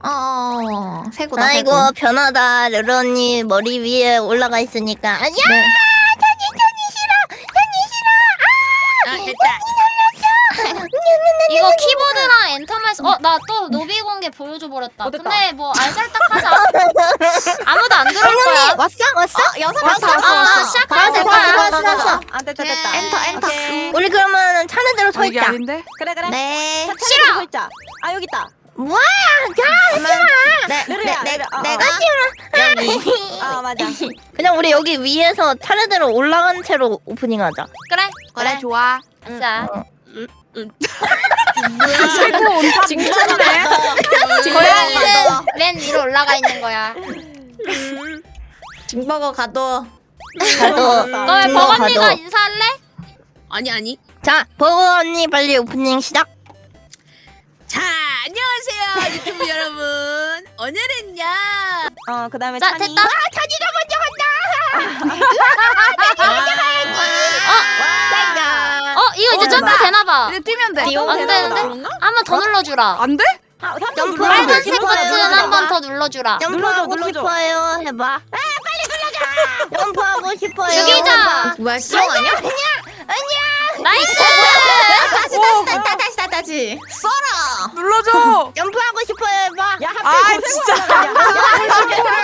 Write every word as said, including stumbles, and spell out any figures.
어, 새고다. 아이고 새고. 변하다. 르르 언니 머리 위에 올라가 있으니까. 아, 야! 네. 찬이 찬이 싫어. 찬이 싫어. 아 됐다. 이거 키보드랑 엔터만 어 나 또 노비 공개 보여줘 버렸다. 어, 됐다. 근데 뭐 알살딱하자. 아무도 안 들어올 거야. 왔어? 왔어? 여섯 왔어, 왔어. 왔어, 왔어. 시작하자. 됐다, 됐다, 됐다, 됐다, 됐다. 아 됐다 됐다. 엔터, 엔터. 오케이. 우리 그러면 차례대로 서 아, 이게 있자. 아닌데? 그래 그래. 네. 싫어. 서 있자. 아 여기 있다. 뭐야? 자, 네, 르르야, 네, 네, 르르. 어, 내가 여기. 아 맞아. 그냥 우리 여기 위에서 차례대로 올라간 채로 오프닝하자. 그래. 그래 좋아. 아싸. 최고 온탑 미쳤네. 고양이는 맨 위로 올라가 있는 거야. 징버거 가도. 가도. 너 왜 음, 버거니가 가도. 인사할래? 아니 아니. 자, 버거 언니 빨리 오프닝 시작. 자 안녕하세요 유튜브 여러분. 오늘은요. 어 그다음에 자 찬이. 됐다. 찬이가 먼저 간다. 와. 어 이거 이제 어, 점프 나- 되나봐. 이제 뛰면 돼. 뛰어? 안 되는데? 한 번 더 눌러주라. 안 돼? 아, 삼 점프 눌러줘. 빨간색 눌러줘, 버튼 눌러줘. 한 번 더 눌러주라. 점프하고 눌러줘, 눌러줘. 싶어요. 해봐. 아, 빨리 눌러줘. 점프하고 싶어요. 죽이자. 뭐야 시영 아니야? 나이스. 다시 다시 다시 다시 다시 다시. 써라. 눌러줘. 점프하고 싶어요. 해봐. 야 아 하필 진짜. 고생